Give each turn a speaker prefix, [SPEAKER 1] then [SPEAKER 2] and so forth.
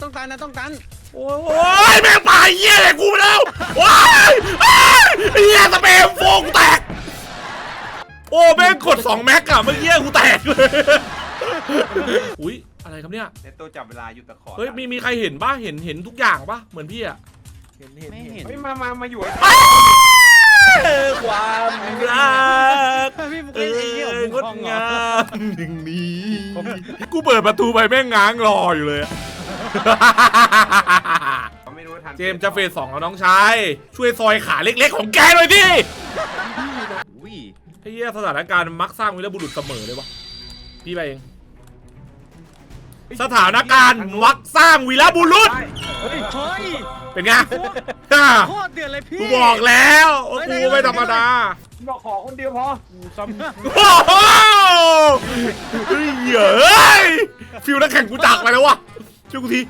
[SPEAKER 1] ต้องตันนะต้องตัน
[SPEAKER 2] โอ้ยแม่งป่าเหี้ยเลยกูไปแล้วว้ายเหี้ยสเปรย์โฟงแตกโอ้แม่งกด2 แม็กอะเมื่อกี้กูแตกเลยอุ้ยอะไรครับเนี่ย
[SPEAKER 3] ในตัวจับเวลาอยู่ตะขอ
[SPEAKER 2] เฮ้ยมีใครเห็นป่ะเห็นทุกอย่างป่ะเหมือนพี่อะ
[SPEAKER 1] ไม่เห็น
[SPEAKER 3] เฮ้ยมาอยู่
[SPEAKER 2] ความรัก
[SPEAKER 1] พี่มึงเล่นไอ้เหี้ยของ
[SPEAKER 2] ง
[SPEAKER 1] มึ
[SPEAKER 2] ด
[SPEAKER 1] งเหรอง
[SPEAKER 2] ามอย่างนี้กูเปิดประตูไปแม่งง้างรออยู่เลยอะ
[SPEAKER 3] ไม่รู้ทัน
[SPEAKER 2] เจมส์จะเฟส 2แล้วน้องชายช่วยซอยขาเล็กๆของแกหน่อยดิ
[SPEAKER 1] อุ้ย
[SPEAKER 2] ไอ้เหี้ยสถานการณ์มักสร้างวีรบุรุษเสมอเลยวะพี่ไปเองสถานการณ์มักสร้างวีรบุรุษ
[SPEAKER 1] เฮ้ย
[SPEAKER 2] เป็นไง
[SPEAKER 1] โคตรเดือดเลยพี่
[SPEAKER 2] กูบอกแล้วว่ากูไม่ธรรมดา
[SPEAKER 3] บอกขอคนเดียวพอ
[SPEAKER 2] โอ้โหเฮ้ยฟิลนักแข่งกูจากไปแล้ววะช่วยกูที